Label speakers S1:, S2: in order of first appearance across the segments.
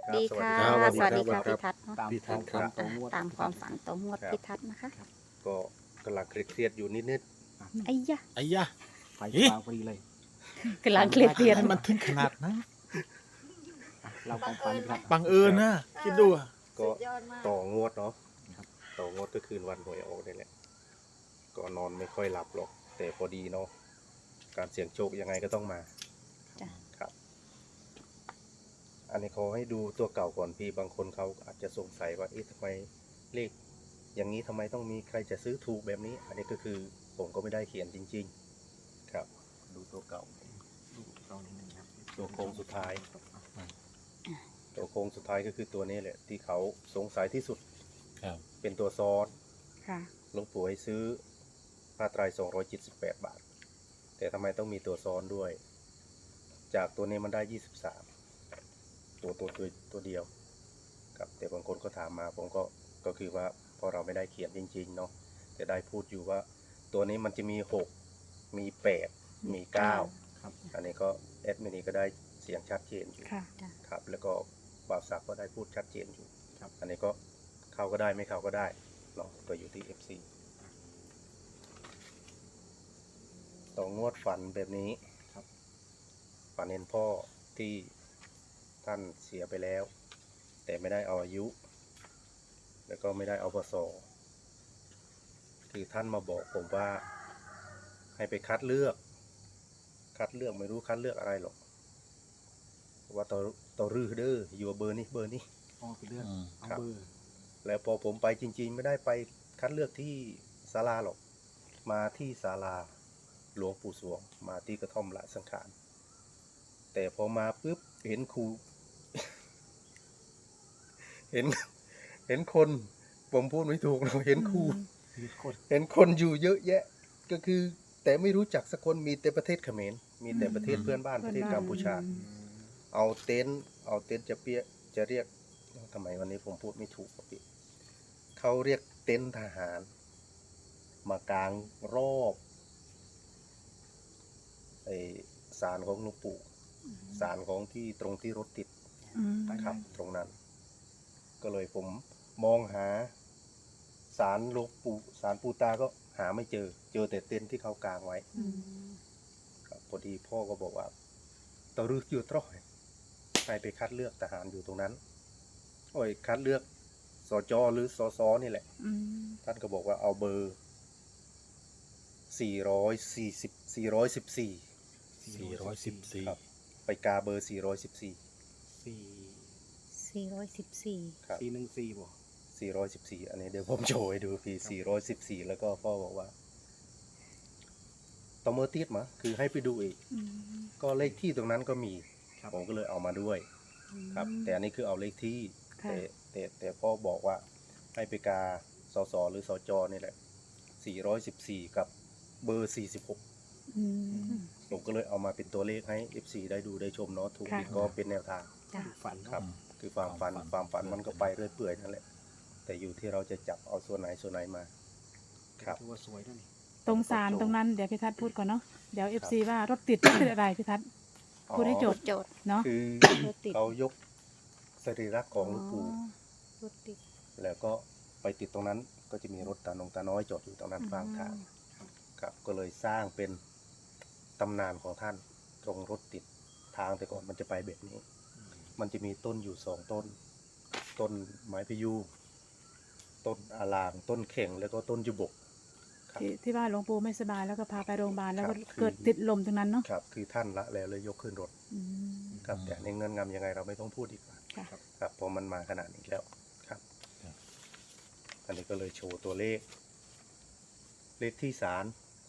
S1: ดีค่ะ
S2: สวัสดี
S1: ค่ะ
S2: ครับ
S1: พิทัศน์เนอะ
S3: ตาม
S2: พี่ทัศน์ครับ
S1: ตามความฝันตัวงวด
S3: ครับ
S1: พิทัศน์นะคะ
S3: ก็กำลังเครียดๆอยู่นิด
S1: ไอ้ยะ
S2: ไอ้ยะ
S4: ไฟฟางพอดีเลย
S1: กำลังเครียดเรียน
S2: ให้มันถึงขนาดนั้น
S4: เราความฝันครับ
S2: บังเอิญนะคิดดูอะ
S3: ๆ ก็ต่องวดเนาะต่องวดก็คืนวันหวยออกนี่แหละก็นอนไม่ค่อยหลับหรอกแต่พอดีเนาะการเสี่ยงโชคยังไงก็ต้องมา
S1: จ้ะ
S3: ครับ อันนี้ขอให้ดูตัวเก่าก่อนพี่บางคนเขาอาจจะสงสัยว่าเอ๊ะทำไมเลขอย่างนี้ทำไมต้องมีใครจะซื้อถูกแบบนี้ อันนี้ก็คือผมก็ไม่ได้เขียนจริง ๆ ครับ ดูตัวเก่า
S4: ดูเรานิดนึงครับ
S3: ตัวโค้งสุดท้าย ตัวโค้งสุดท้ายก็คือตัวนี้แหละที่เขาสงสัยที่สุด
S2: ครับ
S3: เป็นตัวซ้อน
S1: ค่ะ
S3: หลวงปู่ให้ซื้อผ้าไตร278 บาท แต่ทำไมต้องมีตัวซ้อนด้วย จากตัวนี้มันได้23ตัวเดียวครับแต่บางคนก็ถามมาผมก็คือว่าพอเราไม่ได้เขียนจริงๆเนาะแต่ได้พูดอยู่ว่าตัวนี้มันจะมี6มี8มี9
S4: ครับ
S3: อันนี้ก็แอดมินีก็ได้เสียงชัดเจนอยู่
S1: ค่ะ
S3: ครับแล้วก็บ่าวศักดิ์ก็ได้พูดชัดเจนอยู่
S4: ครับ
S3: อันนี้ก็เข้าก็ได้ไม่เข้าก็ได้เนาะก็อยู่ที่ FC ต่องวดฝันแบบนี้
S4: ครับ
S3: ฝันเห็นพ่อที่ท่านเสียไปแล้ว แต่ไม่ได้เอาอายุ แล้วก็ไม่ได้เอาพศคือท่านมาบอกผมว่าให้ไปคัดเลือกไม่รู้คัดเลือกอะไรหรอกว่าต่อรื้อเด้ออยู่เบอร์นี้
S4: อ๋อคือเลือกเอา
S3: ครับ
S4: เบอร์
S3: แล้วพอผมไปจริงๆ ไม่ได้ไปคัดเลือกที่ศาลาหรอก มาที่ศาลาหลวงปู่สวงมาที่กระท่อมละสังขารแต่พอมาปุ๊บเห็นครู เห็นคนผมพูดไม่ถูกเราเห็นครู
S4: มีคน
S3: เห็นคนอยู่เยอะแยะ ก็คือแต่ไม่รู้จักสักคนมีแต่ประเทศเขมรมีแต่ประเทศเพื่อนบ้านประเทศกัมพูชา เอาเต็นท์จะเรียกทำไมวันนี้ผมพูดไม่ถูกครับพี่เขาเรียกเต็นท์ทหาร มากางรอบไอศาลของหลวงปู่ศาลของที่ตรงที่รถติด ครับตรงนั้น ก็เลยผมมองหาศาลหลวงปู่ศาลปู่ตาก็หาไม่เจอแต่เต็นท์ที่เขากางไว้ครับพอดีพ่อก็บอกว่าตะรึกอยู่ตรอยให้ไปคัดเลือกทหารอยู่ตรงนั้นโอ้ยคัดเลือกสจหรือสสนี่แหละท่านก็บอกว่าเอาเบอร์414
S2: 414
S3: ครับไปกาเบอร์414
S4: สี่
S1: 414
S3: ครับ
S4: 414บ่
S3: 414 อันนี้เดี๋ยวผมโชว์ให้ดูพี่414 แล้วก็พ่อบอกว่าตอมเมอร์ติดมาคือให้ไปดูอีก ก็เลขที่ตรงนั้นก็มี
S4: ครับ
S3: ผมก็เลยเอามาด้วยครับ แต่อันนี้คือเอาเลขที่
S1: ค่ะ
S3: แต่พ่อบอกว่าให้ไปกาสสหรือสจนี่แหละ414 กับเบอร์46ผมก็เลยเอามาเป็นตัวเลขให้ FC ได้ดูได้ชมเนาะถูก
S1: ค่ะ
S3: ผิดก็เป็นแนวทาง
S1: จ้ะ
S4: ดูฝัน
S3: ครับ
S4: เนาะ
S3: คือความฝันมันก็ไปเรื่อยเปื่อยนั่นแหละ แต่อยู่ที่เราจะจับเอาส่วนไหนมา ครับ
S4: ถือว่าสวยด้วยนี่
S5: ตรงศาลตรงนั้นเดี๋ยวพี่ทัศน์พูดก่อนเนาะเดี๋ยวเอฟซีว่ารถติดอะไรพี่ทัศน์พูดให้จบ
S1: โจทย์
S5: เนาะ
S3: คือ
S1: รถติด
S3: เขายกสรีระของหลวงปู่
S1: รถติด
S3: แล้วก็ไปติดตรงนั้นก็จะมีรถตาน้อยจอดอยู่ตรงนั้นข้างทางครับก็เลยสร้างเป็นตำนานของท่านตรงรถติดทางแต่ก่อนมันจะไปแบบนี้ มันจะมีต้นอยู่2 ต้น ต้นไม้พะยูงต้นอาลางต้นเข่งแล้วก็ต้นจุบกครับ
S5: ที่ว่าหลวงปู่ไม่สบายแล้วก็พาไปโรงพยาบาลแล้วก็
S3: ครับ
S5: เกิดติดลมตรงนั้นเนาะ
S3: ครับคือท่านละแล้วเลยยกขึ้นรถ
S5: อืม
S3: ครับแต่ในเงินงำยังไงเราไม่ต้องพูดดีกว่า
S5: ค่ะ
S3: ครับเพราะมันมาขนาดนี้แล้วครับ อันนี้ก็เลยโชว์ตัวเลข เลขที่ศาล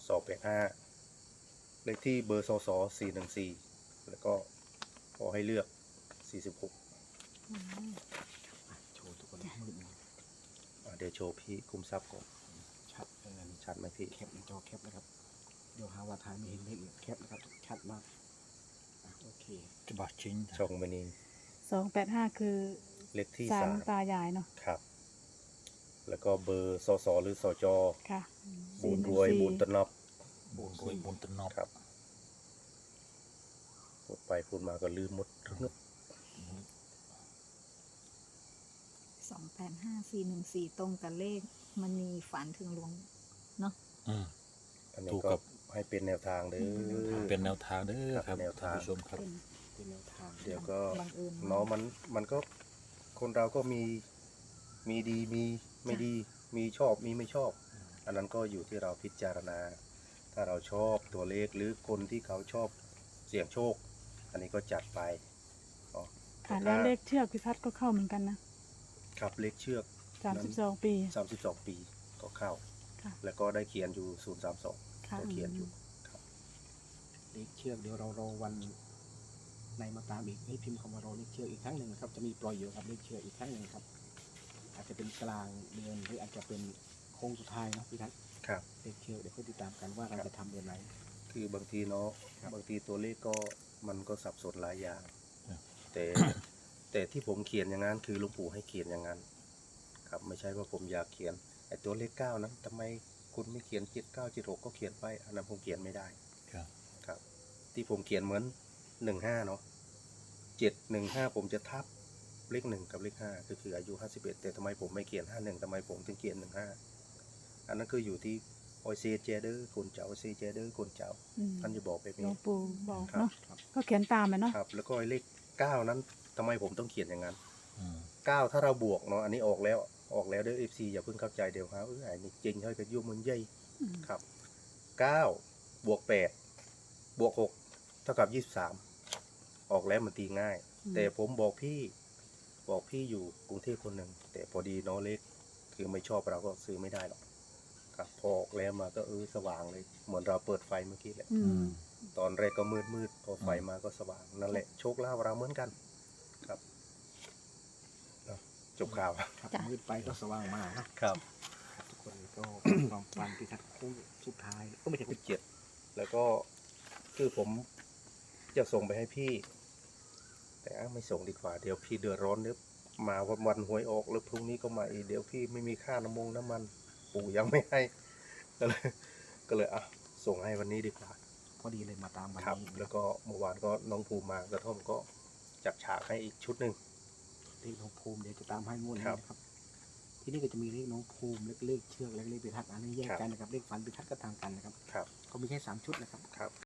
S3: 285เลขที่เบอร์สส414แล้วก็ขอให้เลือก46
S4: โชว์ทุกคนมืดหน่อย
S3: เดี๋ยวโชว์พี่คุมทรัพย์ก่อน
S4: ชัด
S3: ชัดไหมพี่
S4: แคปในจอแคปนะครับ เดี๋ยวหาว่าถ่ายไม่เห็นเลขอีกแคปนะครับชัดมากโอเค
S2: จะบาดจริง
S3: ช่องมันนี้
S5: 285คือ
S3: เลขที่
S5: ศาล
S3: ศาล
S5: ตายายเนาะ
S3: ครับ แล้วก็เบอร์สสหรือสจ
S5: ค่ะ
S3: บุญรวยบุญตนอบ
S2: บุญรวยบุญตนอบ
S3: ครับพูดไปพูดมาก็ลืมหมด
S6: 285414ตรงกับเลขมณีฝันถึงหลวงเนาะ
S2: อืม
S3: อันนี้
S2: ถูก
S3: ก็
S2: ครับ
S3: ให้เป็นแนวทางเด้อ
S2: เป็นแนวทางเด้อครับ
S3: แนวทาง
S2: ท่านผู้ชมครับ
S6: เป็น
S4: เป็นแนวทาง
S3: เดี๋ยวก็
S6: บังเอิญ
S3: เนาะมันก็คนเราก็มีดีมีไม่ดี มีชอบมีไม่ชอบ อันนั้นก็อยู่ที่เราพิจารณา ถ้าเราชอบตัวเลขหรือคนที่เขาชอบเสี่ยงโชค อันนี้ก็จัดไปอ๋อ
S5: ค่ะ
S3: แต่
S5: แล้ว
S3: ถ้า
S5: เลขเชือกพิทัศน์ก็เข้าเหมือนกันนะครับ
S3: เลขเชือก
S5: 32 ปี
S3: 32 ปีก็เข้า
S5: ค่ะ
S3: แล้วก็ได้เขียนอยู่032
S5: ค่ะ
S3: ตัวเขียนอยู่ครับ
S4: เลขเชือกเดี๋ยวเรารอวันในมาตามอีกให้พิมพ์คำว่ารอเลขเชือกอีกครั้งหนึ่งนะครับจะมีปล่อยอยู่ครับเลขเชือกอีกครั้งหนึ่งครับ อาจจะเป็นกลางเดือนหรืออาจจะเป็นโค้งสุดท้ายเนาะพี่ทัศน์
S3: ครับ
S4: เลขเชือกเดี๋ยวค่อยติดตามกันว่าเราจะทำเดือนไหน
S3: คือบางทีเนาะ
S4: ครับ
S3: บางทีตัวเลขก็มันก็สับสนหลายอย่าง
S2: ครับ
S3: แต่ที่ผมเขียนอย่างนั้นคือหลวงปู่ให้เขียนอย่างนั้น ครับไม่ใช่ว่าผมอยากเขียนไอ้ตัวเลข9นั้นทำไมคุณไม่เขียน7976ก็เขียนไปอันนั้นผมเขียนไม่ได้
S2: ครับ
S3: ครับ ที่ผมเขียนเหมือน15เนาะ715ผมจะทับเลข1กับเลข5ก็คืออายุ51แต่ทำไมผมไม่เขียน51ทำไมผมถึงเขียน15อันนั้นคืออยู่ที่โอเซเจเดอร์คนเจ้าโอเซเจเดอร์คนเจ้า
S5: อืม
S3: ท่านจะบอกแบบ
S5: หลว
S3: นี้
S5: งปู่บอก
S3: ครับ
S5: เนาะก็เขียนตามไปเนาะ
S3: ครับแล้วก็ไอ้เลข9นั้นทำไมผมต้องเขียนอย่างนั้น
S2: อืม
S3: 9ถ้าเราบวกเนาะอันนี้ออกแล้วเด้อ FC อย่าเพิ่งเข้าใจเดี๋ยวครับไอ้นี่จริงเฮ้ยก็ยุ่งมันใหญ่
S5: อืม
S3: ครับ9บวก8บวก6เท่ากับ23ออกแล้วมันตีง่าย แต่ผมบอกพี่อยู่กรุงเทพคนหนึ่งแต่พอดีเนาะเลขคือไม่ชอบเราก็ซื้อไม่ได้หรอกครับพอออกแล้วมาก็สว่างเลยเหมือนเราเปิดไฟเมื่อกี้แหละ
S5: อื
S2: อื
S5: ม
S2: ม
S3: ตอนแรกก็มืดพอไฟมาก็สว่างนั่นแหละโชคลาภเราเหมือนกันครับเนาะจบข่าว
S4: ครับมืดไปก็สว่างมานะครับ ทุกคนก็ความฝันพี่ทัศน์โค้งสุดท้ายก็ไม่ใช่
S3: 17แล้วก็คือผมจะส่งไปให้พี่ แต่ไม่ส่งดีกว่าเดี๋ยวพี่เดือดร้อนเดี๋ยวมาวันหวยออกแล้วพรุ่งนี้ก็มาอีกเดี๋ยวพี่ไม่มีค่าน้ำมันปู่ยังไม่ให้ ก็เลยส่งให้วันนี้ดีกว่า
S4: พอดีเลยมาตามวัน
S3: ครับ
S4: นี้
S3: แล้วก็เมื่อวานก็น้องภูมิมากระท่อมก็จัดฉากให้อีกชุดหนึ่ง
S4: เลขน้องภูมิเดี๋ยวจะตามให้งวดนี้
S3: ครับ
S4: นะครับ ที่นี่ก็จะมีเลขน้องภูมิเลขเชือกและเลขพิทัศน์อันนี้แยกกันนะครับเลขฝันพิทัศน์ก็ต่างกันนะครับ
S3: ครับ
S4: ก็มีแค่3ชุดนะครับ
S3: ครับ